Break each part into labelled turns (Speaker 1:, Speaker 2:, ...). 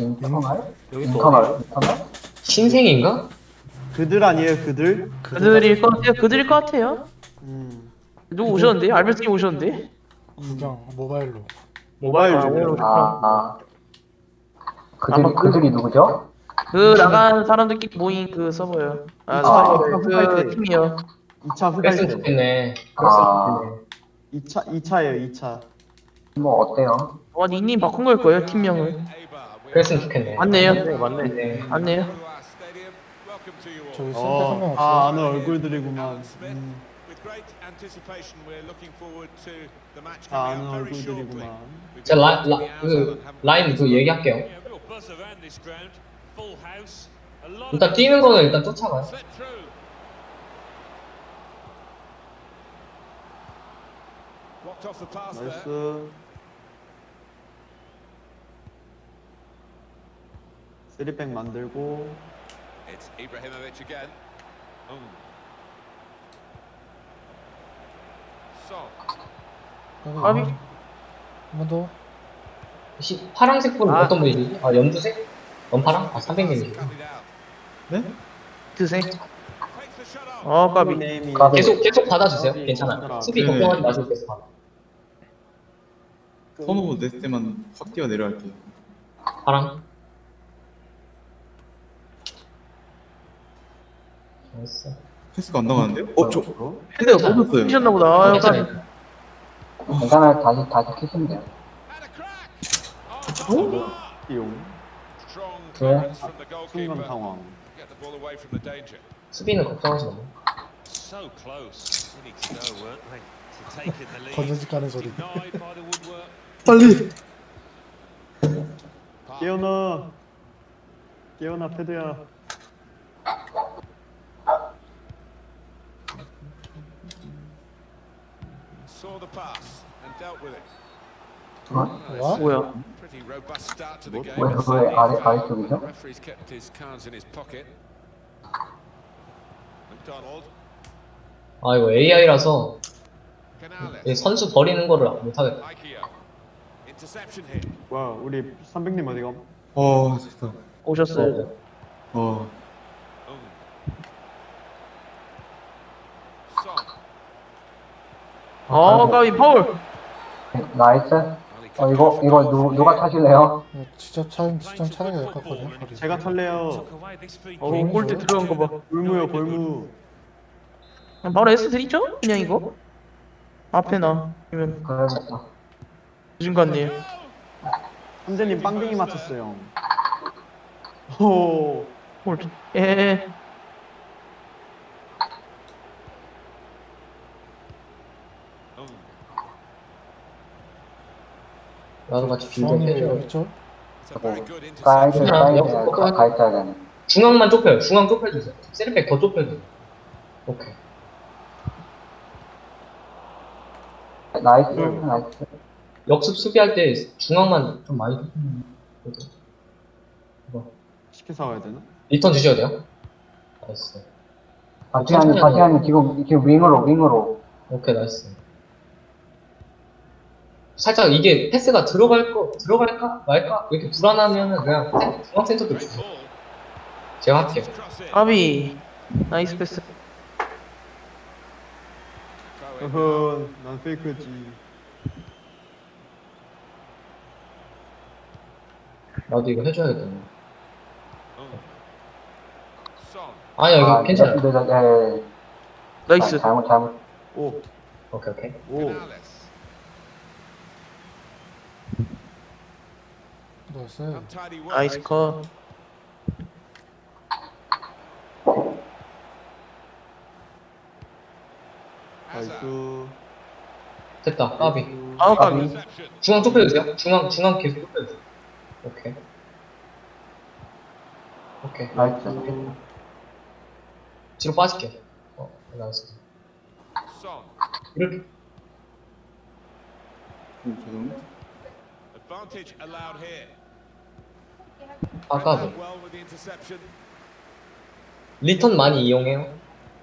Speaker 1: 인터널?
Speaker 2: 여기 또
Speaker 1: 인터널?
Speaker 2: 어디예요?
Speaker 1: 인터널?
Speaker 3: 신생인가?
Speaker 4: 그들 아니에요 그들?
Speaker 5: 그들일 것 같아요. 그들일 것 같아요.
Speaker 4: 음
Speaker 5: 누구 오셨는데? 알베스님 오셨는데?
Speaker 6: 그냥 모바일로.
Speaker 4: 모바일
Speaker 5: 아, 오늘
Speaker 4: 중이요.
Speaker 5: 오셨구나.
Speaker 1: 그들이 누구죠?
Speaker 5: 그 나간 사람들끼리 모인 그 서버요. 아, 서버래. 그 팀이요.
Speaker 4: 2차
Speaker 3: 그랬으면
Speaker 4: 흑알때
Speaker 3: 좋겠네.
Speaker 1: 아.
Speaker 3: 그랬으면 좋겠네.
Speaker 4: 2차예요 2차.
Speaker 1: 뭐 어때요?
Speaker 5: 닉님 바꾼 걸 거예요, 팀명을.
Speaker 3: 그랬으면 좋겠네.
Speaker 5: 맞네요.
Speaker 2: 네, 맞네.
Speaker 3: 네.
Speaker 5: 맞네요.
Speaker 6: 저기 센터 한명 없어요.
Speaker 4: 아 아는 얼굴들이구만. 아 아는 얼굴들이구만.
Speaker 3: 제가 라인 그 얘기할게요. 일단 뛰는 거는 일단 쫓아가요.
Speaker 4: 나이스. 쓰리백 만들고.
Speaker 7: It's Ibrahimovic again. Son.
Speaker 5: 아비.
Speaker 6: 한번 더.
Speaker 3: 파란색 분은
Speaker 2: 아.
Speaker 3: 어떤 분이지? 아 연두색? 연파랑? 아 300님이지.
Speaker 7: Cut it out.
Speaker 4: 네?
Speaker 5: 드세.
Speaker 7: Takes the shot off.
Speaker 5: 까비.
Speaker 4: 네임이
Speaker 3: 계속 받아주세요.
Speaker 4: 네,
Speaker 3: 괜찮아요. 수비
Speaker 8: 네.
Speaker 3: 걱정하지 마시고 계속 받아.
Speaker 8: 선호 냈을 때만 확 뛰어 내려갈게요.
Speaker 3: 파랑. 나이스.
Speaker 8: 패스가 안 나가는데요? 저
Speaker 5: 근데
Speaker 8: 못 넣었어요.
Speaker 5: 미셨나 보다. 아, 까비.
Speaker 3: 괜찮아요.
Speaker 1: 괜찮아요. 다시 키시면 돼요.
Speaker 7: And a crack. Oh,
Speaker 4: 띠용.
Speaker 7: strong
Speaker 1: 네.
Speaker 7: clearance from the
Speaker 4: 순간
Speaker 7: goalkeeper.
Speaker 4: 상황.
Speaker 7: Get the ball away from the danger.
Speaker 3: 수비는 걱정하지 마.
Speaker 7: So close. We need to know, weren't they? To take in the lead.
Speaker 6: 건전지 까는 소리.
Speaker 7: Denied by the woodwork.
Speaker 8: 빨리.
Speaker 4: 깨어나. 깨어나 패드야.
Speaker 7: Saw the pass and dealt with it.
Speaker 6: 와?
Speaker 5: 뭐야?
Speaker 7: Pretty robust start to the game.
Speaker 1: 왜 아래쪽이죠?
Speaker 7: The referee's kept his cards in his pocket. McDonald.
Speaker 3: 아 이거 AI라서
Speaker 7: Canales.
Speaker 3: 선수 버리는 거를 못하겠다.
Speaker 7: Aikio. Interception here.
Speaker 4: 뭐야 우리 300님 어디가?
Speaker 8: 됐다.
Speaker 5: 오셨어요.
Speaker 8: 어,
Speaker 7: Son.
Speaker 5: 까비 파울.
Speaker 1: 나이스. 이거 누가 타실래요?
Speaker 6: 직접 차는 게 될 것 같거든요. 거리.
Speaker 4: 제가 탈래요.
Speaker 5: 골대 들어간 거 봐.
Speaker 4: 골무요 골무.
Speaker 5: 그냥 바로 S 드리죠? 그냥 이거. 앞에 나. 아니면
Speaker 1: 그래야겠다.
Speaker 5: 요즘 같네요.
Speaker 4: 함재님 빵댕이 맞췄어요. 오.
Speaker 5: 골. 예.
Speaker 3: 나도 같이 빌드
Speaker 6: 중앙님이
Speaker 3: 해줘.
Speaker 6: 있죠?
Speaker 7: It's a very good
Speaker 1: 사이드
Speaker 7: interception.
Speaker 1: 사이드 가 있어야 되네.
Speaker 3: 중앙만 좁혀요. 중앙 좁혀주세요. 세리백 더 좁혀줘요. 오케이.
Speaker 1: 나이스.
Speaker 3: 역습 수비할 때 중앙만 좀 많이 좁히면 되죠.
Speaker 4: 시켜 사와야 되나?
Speaker 3: 리턴 주셔야 돼요. 나이스.
Speaker 1: 바티안이 지금 윙으로.
Speaker 3: 오케이 나이스. 살짝 이게 패스가 들어갈까 말까 이렇게 불안하면은 그냥 중앙 센터도
Speaker 7: Great
Speaker 3: 주세요.
Speaker 7: ball.
Speaker 3: 제가 할게요.
Speaker 7: Cross it.
Speaker 5: 까비. 나이스 패스.
Speaker 7: Throw in.
Speaker 4: 어허 난 페이크였지.
Speaker 3: 나도 이거 해줘야겠다.
Speaker 7: Son.
Speaker 3: 아니야 이거 괜찮아요.
Speaker 1: 네.
Speaker 5: 나이스.
Speaker 1: 잘못.
Speaker 4: 오.
Speaker 3: 오케이.
Speaker 4: 오.
Speaker 7: Canales.
Speaker 6: 나이스.
Speaker 7: Untidy work.
Speaker 5: 나이스 컷.
Speaker 7: Hazard.
Speaker 4: 나이스.
Speaker 3: 됐다. 까비.
Speaker 5: 까비.
Speaker 7: Interception.
Speaker 3: 중앙 좁혀주세요. 중앙 계속 좁혀주세요. 오케이.
Speaker 1: 나이스.
Speaker 3: 뒤로 빠질게요. 나이스.
Speaker 7: Son.
Speaker 3: 이렇게.
Speaker 8: 죄송.
Speaker 7: Advantage allowed here.
Speaker 3: 까비.
Speaker 7: Well with the interception.
Speaker 3: 리턴 많이 이용해요.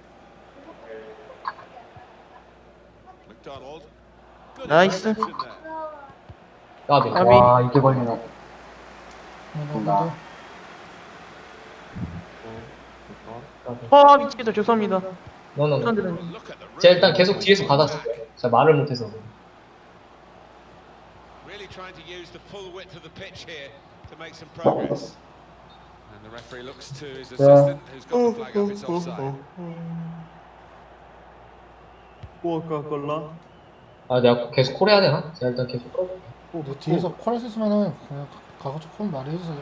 Speaker 7: McDonald. Good
Speaker 5: 나이스.
Speaker 7: interception there.
Speaker 3: 까비.
Speaker 5: 까비.
Speaker 1: 와 이게 걸리네.
Speaker 6: 한번
Speaker 5: 아 미치겠다 죄송합니다.
Speaker 3: 너는
Speaker 5: 사람들은
Speaker 7: Look at the
Speaker 3: 제가 일단 계속 뒤에서 받았어요. 제가 말을 못해서.
Speaker 7: really trying to use the full width of the pitch here to make some progress. And the referee looks to his assistant, who's got the flag up. It's offside.
Speaker 4: 꼬아까걸라.
Speaker 3: 아 내가 계속 콜 해야 되나? 제가 일단 계속 콜.
Speaker 6: 내 뒤에서 콜할 수 있으면은 그냥 가급적 콜 많이 해주세요.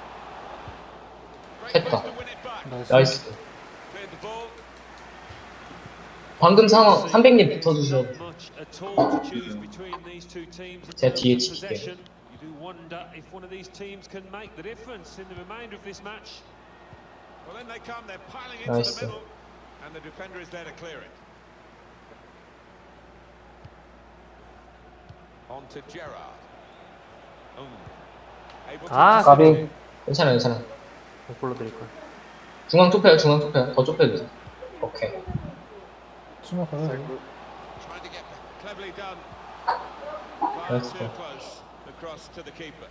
Speaker 7: Great
Speaker 3: 했다.
Speaker 7: pass to win it back.
Speaker 6: 나이스.
Speaker 3: 나이스.
Speaker 7: Cleared the ball.
Speaker 3: 방금 상황 300님 붙어주셔.
Speaker 7: Not much at all to choose between these two teams in
Speaker 3: 제가
Speaker 7: terms
Speaker 3: 뒤에
Speaker 7: of
Speaker 3: 칠게요.
Speaker 7: possession. You do wonder if one of these teams can make the difference in the remainder of this match. Well, then they come. They're piling into
Speaker 3: Nice.
Speaker 7: the middle, and the defender is there to clear it. On to Gerrard. Able to
Speaker 2: 아,
Speaker 1: 까비.
Speaker 3: 괜찮아 괜찮아.
Speaker 2: 못 불러드릴 걸.
Speaker 3: 중앙 좁혀요 중앙 좁혀요. 더 좁혀주세요. 오케이.
Speaker 6: 수면 가야 돼.
Speaker 7: trying to get cleverly done.
Speaker 3: That's
Speaker 7: Far too
Speaker 3: good.
Speaker 7: close. Across to the keeper.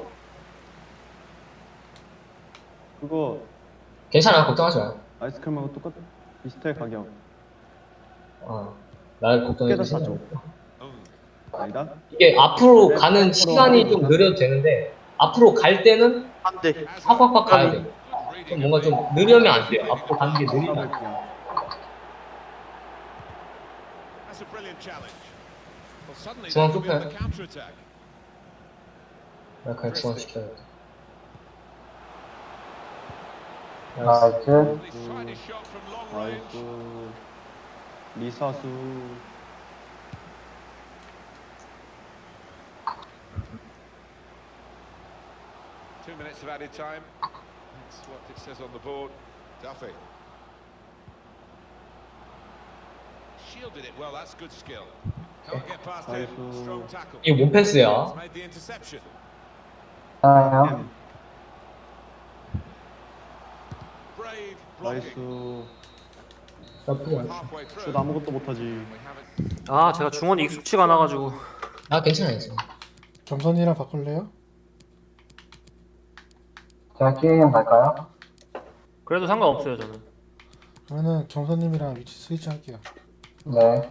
Speaker 4: 그거
Speaker 3: 괜찮아 걱정하지 마요.
Speaker 4: 아이스크림하고 똑같 비슷해 가격.
Speaker 3: 날 걱정해 주시지
Speaker 4: 깨닫죠.
Speaker 3: 말고.
Speaker 4: 아니다?
Speaker 3: 이게 앞으로 가는 시간이 좀 느려도 되는데 앞으로 갈 때는
Speaker 5: 안돼.
Speaker 3: 확확확 가야 돼. 좀 뭔가 좀 느려면 안 돼요. 앞으로 가는 게 느리면 안 돼.
Speaker 7: That's a brilliant challenge. Well, suddenly
Speaker 3: 중앙
Speaker 7: they could be on
Speaker 3: 좁혀요.
Speaker 7: the counter attack.
Speaker 3: 나 그냥 중앙 시켜야겠다. 나이스.
Speaker 1: 나이스.
Speaker 7: Well, he's tried his shot from long range.
Speaker 4: 아이고 리사수.
Speaker 7: Two minutes of added time. That's what it says on the board. Duffy. Shielded it well, that's good skill. Can't get past him.
Speaker 4: Nice.
Speaker 7: Strong tackle.
Speaker 3: 이게 뭔 패스야?
Speaker 7: He's made the interception.
Speaker 1: 하나요?
Speaker 7: Brave blocking.
Speaker 4: 나이스.
Speaker 3: 나쁘지 않아.
Speaker 7: Halfway through.
Speaker 4: 슛 아무것도 못하지.
Speaker 7: We haven't.
Speaker 2: 아, 제가 중원이 익숙치가 않아가지고.
Speaker 3: 아 괜찮아 괜찮아.
Speaker 6: 겸선이랑 바꿀래요?
Speaker 1: 제가 기회형 갈까요?
Speaker 2: 그래도 상관없어요, 저는.
Speaker 6: 그러면은 겸선님이랑 위치 스위치 할게요.
Speaker 1: 네.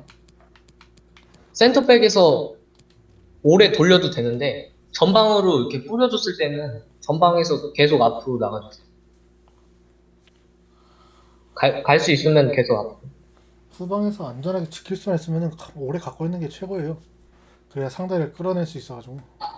Speaker 3: 센터백에서 오래 돌려도 되는데 전방으로 이렇게 뿌려줬을 때는 전방에서 계속 앞으로 나가주세요. 갈 수 있으면 계속 앞으로.
Speaker 6: 후방에서 안전하게 지킬 수만 있으면은 오래 갖고 있는 게 최고예요. 그래야 상대를 끌어낼 수 있어가지고.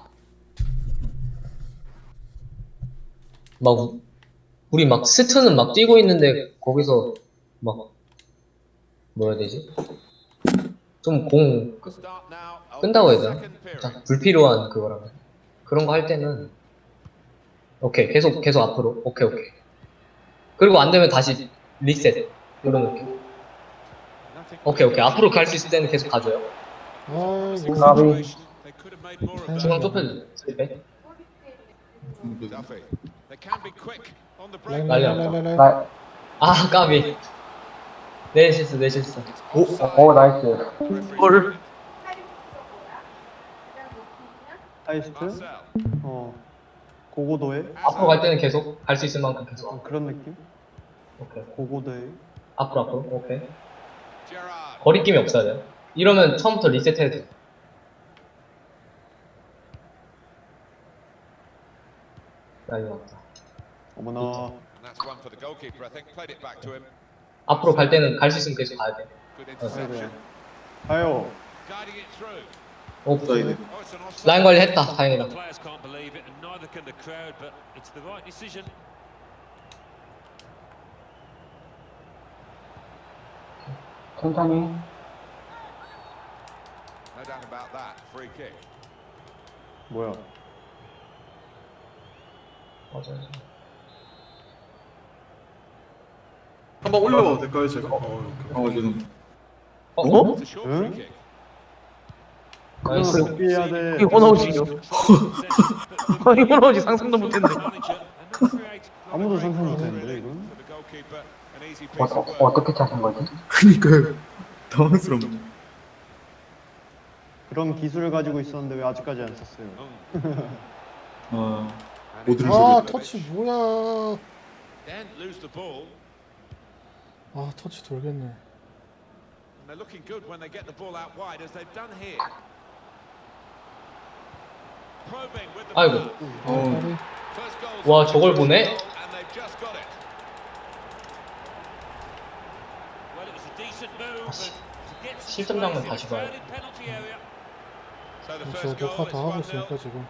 Speaker 3: 막 우리 막 스트는 막 뛰고 있는데 거기서 막 뭐라 해야 되지? 좀 공
Speaker 7: Start now.
Speaker 3: 끈다고 해야
Speaker 7: Second
Speaker 3: 되나?
Speaker 7: period.
Speaker 3: 자, 불필요한 그거라면 그런 거 할 때는 오케이 계속 앞으로 오케이 그리고 안 되면 다시 리셋 이런 느낌. 오케이 앞으로 갈 수 있을 때는 계속 가줘요.
Speaker 6: 아이고.
Speaker 1: 까비.
Speaker 7: They could have made more of that.
Speaker 3: 중앙 좁혀주세요. 스리백.
Speaker 7: Duffy. They can be quick on the break.
Speaker 6: 랄랄랄랄랄.
Speaker 1: 나,
Speaker 3: 아 까비. 내 실수.
Speaker 1: 오, 나이스.
Speaker 5: 헐.
Speaker 4: 하이스트?
Speaker 7: Marcel.
Speaker 4: 고고도에?
Speaker 3: 앞으로 갈 때는 계속 갈 수 있을 만큼 계속.
Speaker 4: 그런 느낌?
Speaker 3: 오케이.
Speaker 4: 고고도에.
Speaker 3: 앞으로 오케이.
Speaker 7: Gerrard.
Speaker 3: 거리낌이 없어야 돼요. 이러면 처음부터 리셋해야 돼요. 난리 났다.
Speaker 4: 어머나.
Speaker 7: And that's one for the goalkeeper, I think. Played it back to him.
Speaker 3: 앞으로 갈 때는 갈 수 있으면 계속 가야 돼.
Speaker 7: Good
Speaker 4: 아이고.
Speaker 7: interception.
Speaker 4: 가요.
Speaker 7: Guiding it through.
Speaker 8: 사이드.
Speaker 7: Oh, it's an offside.
Speaker 3: 라인 관리했다. 다행이다.
Speaker 7: Players can't believe it, and neither can the crowd, but it's the right decision.
Speaker 1: 천천히.
Speaker 7: No doubt about that. Free kick.
Speaker 4: 뭐야?
Speaker 3: 맞아요.
Speaker 8: 한번 올려봐도 될까요, 제가? 죄송.
Speaker 3: 어?
Speaker 7: It's a short
Speaker 4: Huh?
Speaker 7: free kick.
Speaker 3: 나이스.
Speaker 4: 어떻게 해야 돼?
Speaker 5: 이게 호나우지요. 아니 호나우지 상상도 못했네.
Speaker 4: 아무도 상상 못했는데 이건?
Speaker 7: For the goalkeeper, an easy piece of work.
Speaker 1: 어떻게 찾은 거지?
Speaker 8: 그니까요. 당황스럽네.
Speaker 4: 그런 기술을 가지고 있었는데 왜 아직까지 안 썼어요?
Speaker 8: 어,
Speaker 7: And
Speaker 6: 아 터치 뭐야.
Speaker 7: Then lose the ball.
Speaker 6: 아 터치 돌겠네.
Speaker 7: And they're looking good when they get the ball out wide, as they've done here. Probing with the
Speaker 3: 아이고.
Speaker 7: ball.
Speaker 6: 다리.
Speaker 7: First goal's
Speaker 3: 와, 저걸 보네?
Speaker 7: and they've just got it.
Speaker 9: Well, it was a decent move, and to get some
Speaker 3: 실점 장면
Speaker 9: space in
Speaker 3: 다시
Speaker 9: a
Speaker 3: 봐요.
Speaker 9: crowded penalty area.
Speaker 7: So the
Speaker 6: 저
Speaker 7: first goal
Speaker 6: 녹화
Speaker 7: is
Speaker 6: 다 하고
Speaker 7: 1-0.
Speaker 6: 있으니까 지금.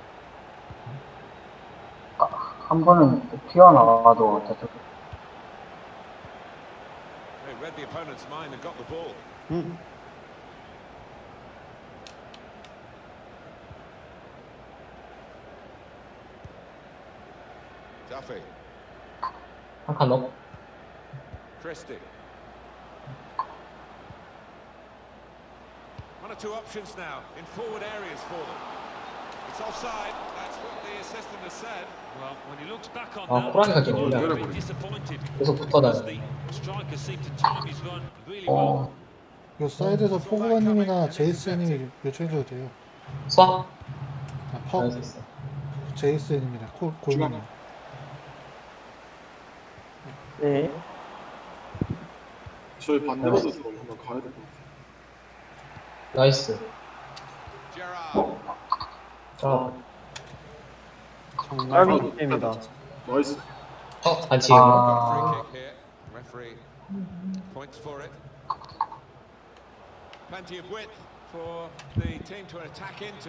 Speaker 1: 한 번은 튀어나와도 저쪽.
Speaker 7: They read the opponent's mind and got the ball.
Speaker 4: 응.
Speaker 7: Duffy,
Speaker 3: 한 칸 넣어.
Speaker 7: Christie. One or two options now in forward areas for them. It's offside. That's what the assistant has said.
Speaker 9: Well, when he looks back on
Speaker 3: 아,
Speaker 9: that,
Speaker 3: 호랑이가
Speaker 9: he
Speaker 3: 지금
Speaker 9: might
Speaker 3: 올려.
Speaker 9: be disappointed.
Speaker 3: 계속 붙어다녀.
Speaker 9: The striker seemed to time his run really well.
Speaker 6: 이거 사이드에서 포그바님이나 제이스님이 요청해줘도 돼요.
Speaker 3: 수학?
Speaker 6: 아, 퍽
Speaker 3: 알겠어.
Speaker 6: 제이스님이나 골반님.
Speaker 5: 네.
Speaker 8: 저희 반대로도 한번 가야 될 것 같아요.
Speaker 3: 나이스.
Speaker 7: Gerrard.
Speaker 3: 자,
Speaker 4: 정말 게임이다.
Speaker 8: 나이스.
Speaker 3: 반칙.
Speaker 7: Got a
Speaker 1: 아,
Speaker 7: free kick here. Referee points for it. Plenty of width for the team to attack into.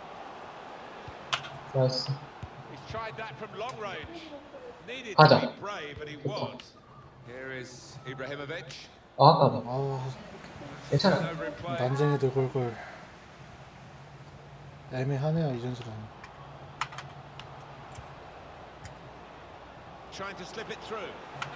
Speaker 3: 나이스.
Speaker 7: He's tried that from long range. Needed
Speaker 3: 가자.
Speaker 7: to be brave, and he was. Here is Ibrahimovic.
Speaker 3: 아, 아까
Speaker 6: 아
Speaker 3: 괜찮아.
Speaker 7: Over in play.
Speaker 6: 난쟁이들 골골. 애매하네요 이전수랑.
Speaker 7: Trying to slip it through.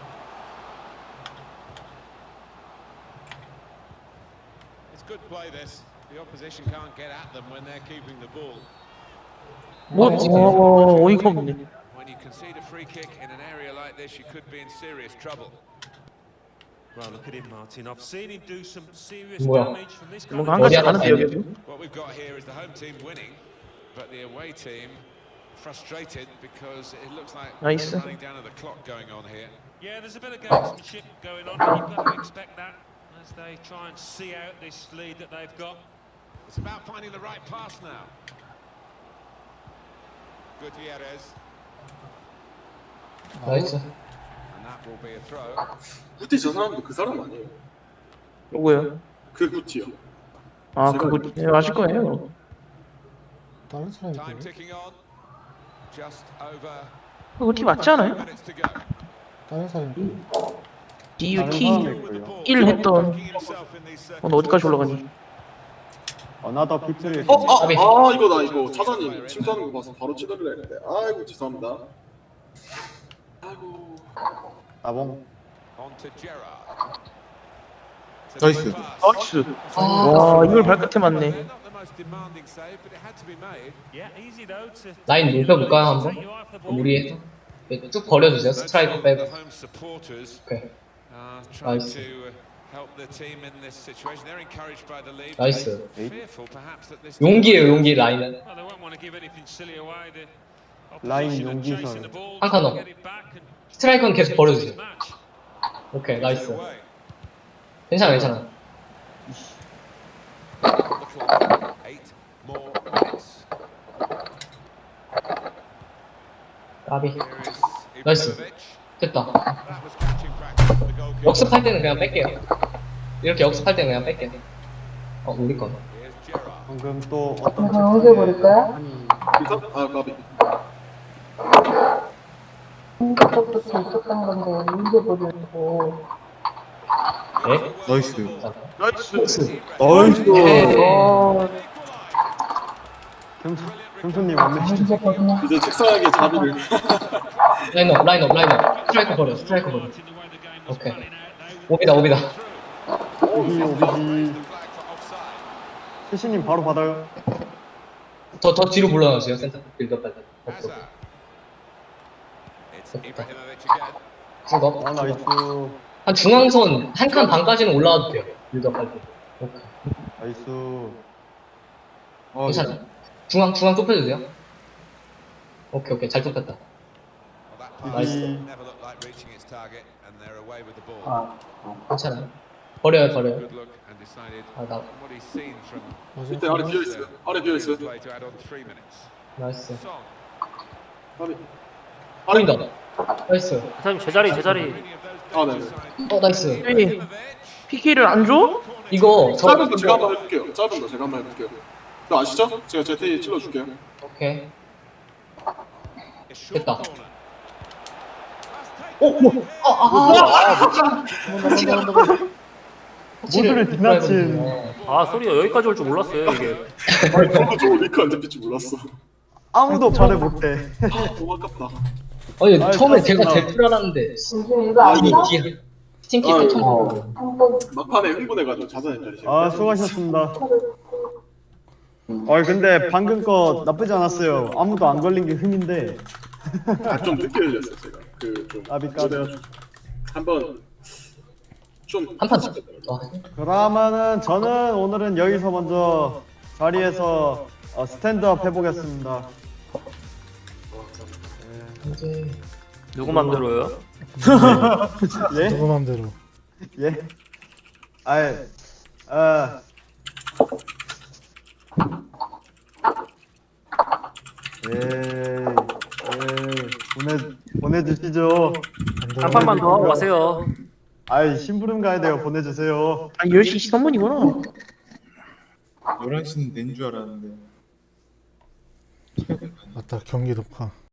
Speaker 7: It's good play this. The opposition can't get at them when they're keeping the ball.
Speaker 5: 뭐? 어이가 없네.
Speaker 7: When you concede a free kick in an area like this, you could be in serious trouble.
Speaker 9: Well, look at him, Martin. I've seen him do some serious
Speaker 3: 뭐야?
Speaker 9: damage from this kind
Speaker 5: 뭔가
Speaker 9: of
Speaker 5: 한 가지
Speaker 3: 어디
Speaker 5: 가는데요
Speaker 3: 하나
Speaker 5: 지금?
Speaker 7: What we've got here is the home team winning, but the away team frustrated because it looks like
Speaker 5: Nice.
Speaker 7: they're running down to the clock going on here.
Speaker 9: Yeah, there's a bit of gamesmanship going on. You've got to expect that as they try and see out this lead that they've got.
Speaker 7: It's about finding the right pass now. Gutierrez,
Speaker 3: 나이스.
Speaker 7: and that will be a throw.
Speaker 8: 구티 저 사람도 그 사람 아니에요?
Speaker 5: 누구요?
Speaker 8: 그 구티요.
Speaker 5: 아 그거 네, 아실 거예요.
Speaker 6: 다른 사람이
Speaker 7: Time
Speaker 6: 그래요?
Speaker 7: ticking on. Just over
Speaker 5: 그거 티 맞지 않아요?
Speaker 7: minutes to go.
Speaker 6: 다른 사람이 그래요?
Speaker 5: DUT
Speaker 7: With the ball.
Speaker 5: 1 했던
Speaker 7: Backing himself in these
Speaker 5: 오늘 어디까지 올라가니?
Speaker 4: 어나더 비트리.
Speaker 8: 이거 나 이거 차장님 침투하는 거 봐서 바로 치더라 했는데 아이고 죄송합니다. 아이고.
Speaker 4: 나봉.
Speaker 7: On to Gerrard.
Speaker 8: 나이스.
Speaker 5: 나이스.
Speaker 3: 아,
Speaker 5: 와 이걸 발끝에
Speaker 7: They're
Speaker 5: 맞네.
Speaker 7: not the most demanding save, but it had to be made.
Speaker 9: Yeah, easy though to
Speaker 3: 라인 높여볼까요 한번?
Speaker 9: take you off the ball.
Speaker 3: 무리해서 쭉 벌려주세요. 스트라이크
Speaker 7: The
Speaker 3: 빼고.
Speaker 7: home supporters
Speaker 3: 오케이.
Speaker 7: trying
Speaker 3: Nice.
Speaker 7: to help the team in this situation. They're encouraged by the lead.
Speaker 3: 나이스.
Speaker 7: Fearful perhaps that this
Speaker 3: 용기예요 용기 라인은.
Speaker 9: Well, they won't want to give anything silly away. The
Speaker 4: 라인
Speaker 9: opposition are
Speaker 4: 용기설.
Speaker 9: chasing the ball,
Speaker 3: 한 칸
Speaker 9: trying to
Speaker 3: 넣어.
Speaker 9: get it back and
Speaker 3: 스트라이크는 계속 벌려주세요.
Speaker 9: match.
Speaker 3: 오케이
Speaker 7: gives it
Speaker 3: 나이스.
Speaker 7: away.
Speaker 3: 괜찮아 괜찮아.
Speaker 7: Little 8 more minutes.
Speaker 3: 까비.
Speaker 7: Here is
Speaker 3: Nice.
Speaker 7: Ibrahimovic.
Speaker 3: 됐다.
Speaker 7: That was catching practice for the goalkeeper.
Speaker 3: 역습할 때는 그냥 뺄게요. 이렇게 역습할 때는 그냥 뺄게요. 우리 거.
Speaker 7: Here's Gerrard.
Speaker 4: 방금 또 어떤
Speaker 1: 내가 옮겨버릴까요?
Speaker 8: 까비.
Speaker 1: 옮겨버렸으면 있었던 건데 옮겨버리고.
Speaker 3: 네?
Speaker 8: 나이스.
Speaker 5: 나이스.
Speaker 8: 나이스.
Speaker 5: 어
Speaker 4: 금수님 완벽히.
Speaker 1: 옮겨버리냐?
Speaker 8: 이제 책상에게 자비를.
Speaker 3: 라인업. 스트라이크 버려. 스트라이크 버려.
Speaker 9: Martin, the way the game was
Speaker 3: Okay.
Speaker 9: panning out, they
Speaker 3: 오비다.
Speaker 4: 오비 오비지.
Speaker 7: Flag for offside.
Speaker 4: 시시님 바로 받아요.
Speaker 3: 더 뒤로 물러나주세요. 센터 빌드업 할 때.
Speaker 7: Hazard. It's
Speaker 3: Okay.
Speaker 7: Ibrahimovic again.
Speaker 3: 쭉
Speaker 4: 아 나이스.
Speaker 3: 한 중앙선 한 칸 반까지는 올라와도 돼요. 빌드업 할 때. 오케이.
Speaker 4: 나이스.
Speaker 3: 괜찮아. 중앙 좁혀주세요. 오케이 잘 좁혔다. 나이스.
Speaker 7: Never looked like reaching its target, and they're away with the ball.
Speaker 1: 아,
Speaker 3: 괜찮아요. 버려요.
Speaker 7: Good look and decided
Speaker 3: 아, 나
Speaker 7: what he's seen from
Speaker 8: 밑에 아래 비어 있어요. 아래 비어 있어요.
Speaker 7: play to add on 3 minutes.
Speaker 3: 나이스.
Speaker 7: Song.
Speaker 8: 아래.
Speaker 3: 보인다. 나이스.
Speaker 2: 사장님 제자리 제자리.
Speaker 8: 아, 네.
Speaker 3: 나이스.
Speaker 5: 왜 PK를 안 줘?
Speaker 3: 이거
Speaker 8: 짧은 거 제가 한번 해볼게요. 짧은 거 제가 한번 해볼게요. 너 아시죠? 제가 ZT 찔러줄게요.
Speaker 3: 오케이.
Speaker 7: A short
Speaker 3: 됐다.
Speaker 7: corner.
Speaker 3: 모두를
Speaker 4: 뒷받침.
Speaker 2: 아 소리가 여기까지 올 줄 몰랐어요 이게.
Speaker 8: 아니, 저도 저 리크 안 잡힐 줄 몰랐어.
Speaker 4: 아무도 말을 못해.
Speaker 8: 너무 아깝다.
Speaker 3: 아니
Speaker 4: 아이,
Speaker 3: 처음에
Speaker 4: 그렇구나.
Speaker 3: 제가 제일 불안한데
Speaker 1: 요즘 이거 안
Speaker 3: 이게
Speaker 1: 써?
Speaker 3: 뒤에 스팅키
Speaker 8: 아유.
Speaker 3: 패턴
Speaker 1: 한번
Speaker 8: 막판에 흥분해가지고 자산이 떨리시네.
Speaker 4: 아, 수고하셨습니다. 근데 방금 거 나쁘지 않았어요. 아무도 안 걸린 게 흠인데.
Speaker 8: 좀 늦게 흘렸어요 제가. 그좀
Speaker 4: 아비까지.
Speaker 8: 한번 좀
Speaker 3: 한판 더.
Speaker 4: 그러면은 저는 오늘은 여기서 먼저 자리에서 스탠드업 해보겠습니다.
Speaker 3: 이제
Speaker 2: 누구 맘대로요?
Speaker 4: 예?
Speaker 6: 누구 맘대로.
Speaker 4: 예? 아이, 보내주시죠.
Speaker 2: 한 판만 더 하고 가세요.
Speaker 4: 아이, 심부름 가야 돼요. 보내주세요.
Speaker 5: 아 10시 선문이구나.
Speaker 10: 11시는 낸 줄 알았는데.
Speaker 6: 맞다 경기 녹화.